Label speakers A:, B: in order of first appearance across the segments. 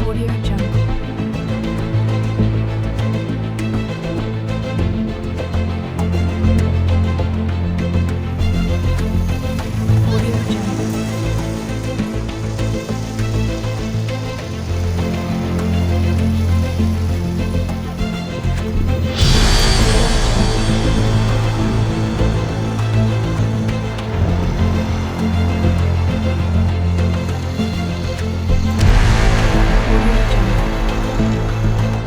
A: Audio Jungle. Audio Jungle. Audio Jungle.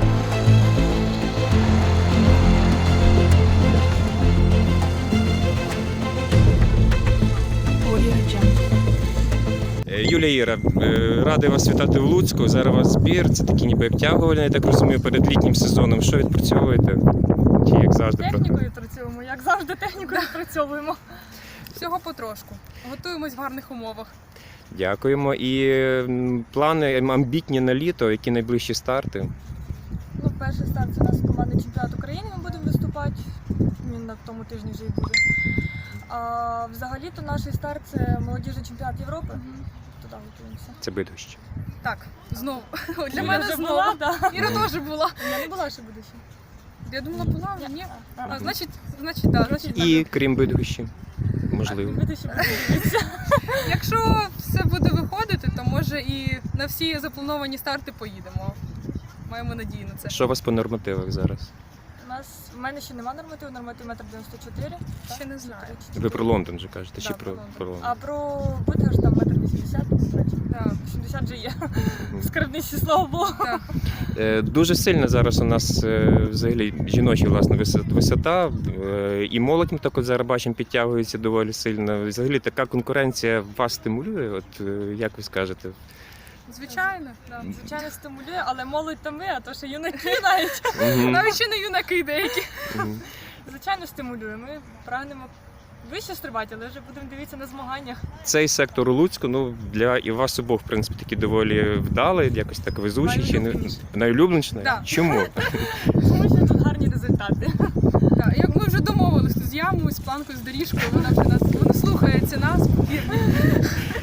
A: Audio Jungle.
B: Юлія Іра, радий вас вітати в Луцьку. Зараз у вас збір, це такі ніби обтягувальні, я так розумію, перед літнім сезоном. Що відпрацьовуєте? Чи як завжди?
C: Технікою працюємо, як завжди технікою працьовуємо. Всього потрошку. Готуємось в гарних умовах.
B: Дякуємо. І плани амбітні на літо, які найближчі старти?
C: Ну, перший старт це у нас командний чемпіонат України, ми будемо виступати. Він на тому тижні вже і буде. А взагалі-то наш старт це молодіжний чемпіонат Європи. Туди готуємося.
B: Це Бидгощ.
D: Так, знову. Для
C: Я
D: мене
C: вже
D: знову.
C: була, да.
D: Іра теж була.
C: Я не була ще буде ще.
D: Я думала, була, але ні.
C: А,
D: А, значить, так, значить.
B: І крім Бидгощі, можливо.
C: буде ще подивитися.
D: Якщо все буде виходити, то може і на всі заплановані старти поїдемо. Маємо надію на це.
B: Що у вас по нормативах зараз?
C: В мене ще нема нормативу, норматив 1,94 м.
D: Ще не знаю.
B: Ви про Лондон вже кажете, чи
C: Да,
B: про
C: Лондон.
B: Лондон?
C: А про Бидгощ там 1,80 м.
D: Так,
C: 80 вже є. В скарбниці, слава Богу.
D: так.
B: Дуже сильна зараз у нас взагалі жіноча власне висота, і молодь ми так от зараз бачимо підтягується доволі сильно. Взагалі така конкуренція вас стимулює? От як ви скажете?
D: Звичайно. Да.
C: Звичайно, стимулює, але молодь то ми, а то ще юнаки навіть.
B: Мгм.
D: Навіть ще не юнаки деякі.
B: Мгм.
C: Звичайно, стимулює. Ми прагнемо вище стрибати, але вже будемо дивитися на змаганнях.
B: Цей сектор у Луцьку, ну для і вас обох, в принципі, такі доволі вдалий, якось так везучий, чи не
C: Найулюбленіший.
B: найулюбленіший?
D: Да.
B: Чому?
C: Тому що тут гарні результати.
D: Так, як ми вже домовилися з ямою, з планкою, з доріжкою, вона вже нас вона слухається нас, повірте.